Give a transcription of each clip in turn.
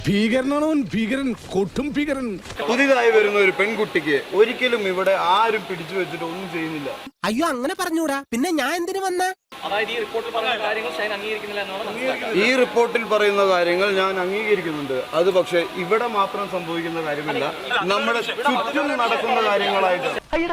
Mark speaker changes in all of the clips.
Speaker 1: ഭീകരനാണോ ഭീകരൻ, കൊട്ടും ഭീകരൻ.
Speaker 2: പുതിയതായി വരുന്ന ഒരു പെൺകുട്ടിക്ക് ഒരിക്കലും ഇവിടെ ആരും പിടിച്ചു വെച്ചിട്ട് ഒന്നും ചെയ്യുന്നില്ല.
Speaker 3: അയ്യോ അങ്ങനെ പറഞ്ഞൂടാ, പിന്നെ ഞാൻ എന്തിനു വന്ന?
Speaker 2: ഈ റിപ്പോർട്ടിൽ പറയുന്ന കാര്യങ്ങൾ ഞാൻ അംഗീകരിക്കുന്നുണ്ട്. അത് പക്ഷെ ഇവിടെ മാത്രം സംഭവിക്കുന്ന കാര്യമല്ല, നമ്മുടെ ചുറ്റും നടക്കുന്ന കാര്യങ്ങളായിട്ട്.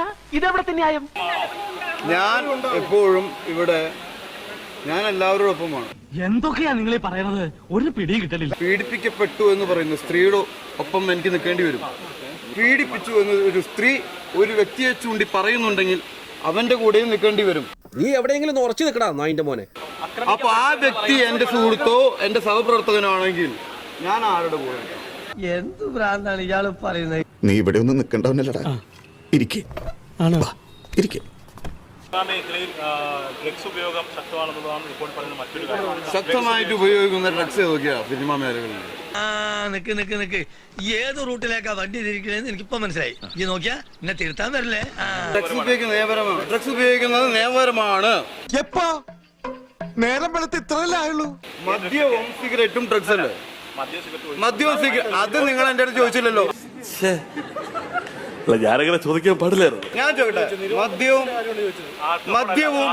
Speaker 2: ഞാൻ എപ്പോഴും ഇവിടെ ഞാൻ എല്ലാവരോടൊപ്പമാണ്.
Speaker 4: എന്തൊക്കെയാ നിങ്ങൾ പറയുന്നത്? ഒരു പിടിയും കിട്ടലില്ല.
Speaker 2: പീഡിപ്പിക്കപ്പെട്ടു എന്ന് പറയുന്ന സ്ത്രീയുടെ ഒപ്പം എനിക്ക് നിൽക്കേണ്ടി വരും. പീഡിപ്പിച്ചു എന്ന് ഒരു സ്ത്രീ ഒരു വ്യക്തിയെ ചൂണ്ടി പറയുന്നുണ്ടെങ്കിൽ അവന്റെ കൂടെയും നിൽക്കേണ്ടി വരും.
Speaker 3: നീ എവിടെയെങ്കിലും ഉറച്ചു നിൽക്കടാ നായിന്റെ മോനെ.
Speaker 2: അപ്പൊ ആ വ്യക്തി എന്റെ സുഹൃത്തോ എന്റെ സഹപ്രവർത്തകനാണെങ്കിൽ ഞാൻ ആരുടെ കൂടെ?
Speaker 3: എന്ത് ഭ്രാന്താണ് ഇയാള് പറയുന്നത്?
Speaker 1: നീ ഇവിടെ ഒന്നും നിൽക്കണ്ടവനല്ലടാ. ഇരിക്കേ ഇരിക്കേ.
Speaker 2: ശക്തമായിട്ട് ഉപയോഗിക്കുന്ന ഡ്രഗ്സ് ഏതൊക്കെയാ സിനിമാ മേഖലകളിൽ?
Speaker 3: നിക്ക് ഏത് റൂട്ടിലേക്കാ വണ്ടി തിരിക്കണേന്ന് എനിക്കിപ്പോ മനസ്സിലായി. ഈ നോക്കിയാ എന്നെ തിരുത്താൻ വരില്ലേ?
Speaker 2: ഡ്രഗ്സ് ഉപയോഗിക്കുന്നത് നിയമപരമാണ്.
Speaker 1: എപ്പോ നേരം വെളുത്ത് ഇത്രയല്ലേ ആയുള്ളൂ?
Speaker 2: മദ്യവും സിഗരറ്റും ഡ്രഗ്സ് അല്ലേ? മദ്യവും സിഗരറ്റ് അത് നിങ്ങൾ എന്റെ അടുത്ത് ചോദിച്ചില്ലല്ലോ.
Speaker 5: ഞാനങ്ങനെ ചോദിക്കാൻ പാടില്ലായിരുന്നു.
Speaker 2: ഞാൻ ചോദിക്കട്ടെ, മദ്യവും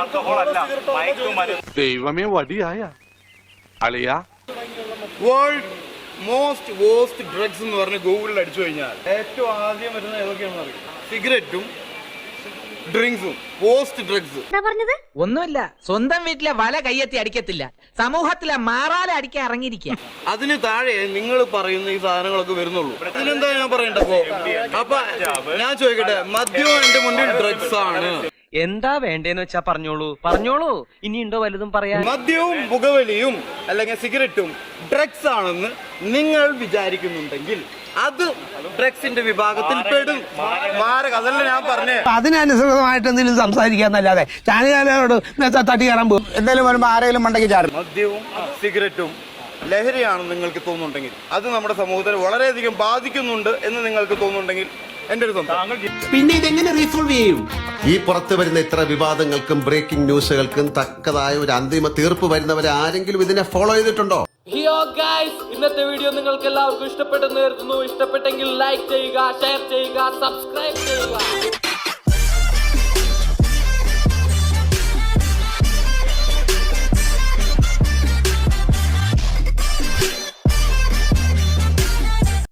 Speaker 5: ദൈവമേ വടിയായ അളിയ
Speaker 2: വേൾഡ് മോസ്റ്റ് വേസ്റ്റ് ഡ്രഗ്സ് എന്ന് പറഞ്ഞ് ഗൂഗിളിൽ അടിച്ചു കഴിഞ്ഞാൽ ഏറ്റവും ആദ്യം വരുന്നത് ഏതൊക്കെയാണെന്ന് അറിയാം? സിഗരറ്റും ഡ്രിങ്ക്സും. പോസ്റ്റ് ഡ്രഗ്സ്
Speaker 6: ഒന്നുമില്ല, സ്വന്തം വീട്ടിലെ വല കയ്യെത്തി അടിക്കത്തില്ല, സമൂഹത്തിലെ മാറാല അടിക്കാൻ ഇറങ്ങിയിരിക്കുക.
Speaker 2: അതിന് താഴെ നിങ്ങൾ പറയുന്ന ഈ സാധനങ്ങളൊക്കെ വരുന്നുള്ളൂ. ഇതിനെന്താ ഞാൻ പറയണ്ടപ്പോ? അപ്പൊ ഞാൻ ചോദിക്കട്ടെ, മദ്യവും എന്റെ മുന്നിൽ ഡ്രഗ്സ് ആണ്.
Speaker 6: എന്താ വേണ്ടേന്ന് വെച്ചാ പറഞ്ഞോളൂ. ഇനിയുണ്ടോ വലുതും പറയാൻ?
Speaker 2: മദ്യവും പുകവലിയും അല്ലെങ്കിൽ സിഗരറ്റും ഡ്രഗ്സ് ആണെന്ന് നിങ്ങൾ വിചാരിക്കുന്നുണ്ടെങ്കിൽ അത് ഡ്രഗ്സിന്റെ വിഭാഗത്തിൽ പെടും. അതല്ല ഞാൻ പറഞ്ഞേ.
Speaker 3: അതിനനുസൃതമായിട്ട് എന്തെങ്കിലും സംസാരിക്കാന്നല്ലാതെ ചാനലുകാരോട് തട്ടി കയറാൻ പോകും. എന്തായാലും വരുമ്പോ ആരെങ്കിലും മണ്ടയ്ക്ക് ചാടും.
Speaker 2: മദ്യവും സിഗരറ്റും ലഹരിയാണെന്ന് നിങ്ങൾക്ക് തോന്നുന്നുണ്ടെങ്കിൽ, അത് നമ്മുടെ സമൂഹത്തെ വളരെയധികം ബാധിക്കുന്നുണ്ട് എന്ന് നിങ്ങൾക്ക് തോന്നുന്നുണ്ടെങ്കിൽ എന്റെ ഒരു
Speaker 3: പിന്നെ ഇതെങ്ങനെ റീസോൾവ് ചെയ്യും?
Speaker 7: ഈ പുറത്തു വരുന്ന ഇത്ര വിവാദങ്ങൾക്കും ബ്രേക്കിംഗ് ന്യൂസുകൾക്കും തക്കതായ ഒരു അന്തിമ തീർപ്പ് വരുന്നവരെ ആരെങ്കിലും ഇതിനെ ഫോളോ ചെയ്തിട്ടുണ്ടോ?
Speaker 6: ഇന്നത്തെ വീഡിയോ നിങ്ങൾക്ക് എല്ലാവർക്കും ഇഷ്ടപ്പെട്ടെന്ന് കരുതുന്നു. ഇഷ്ടപ്പെട്ടെങ്കിൽ ലൈക്ക് ചെയ്യുക, ഷെയർ ചെയ്യുക, സബ്സ്ക്രൈബ് ചെയ്യുക.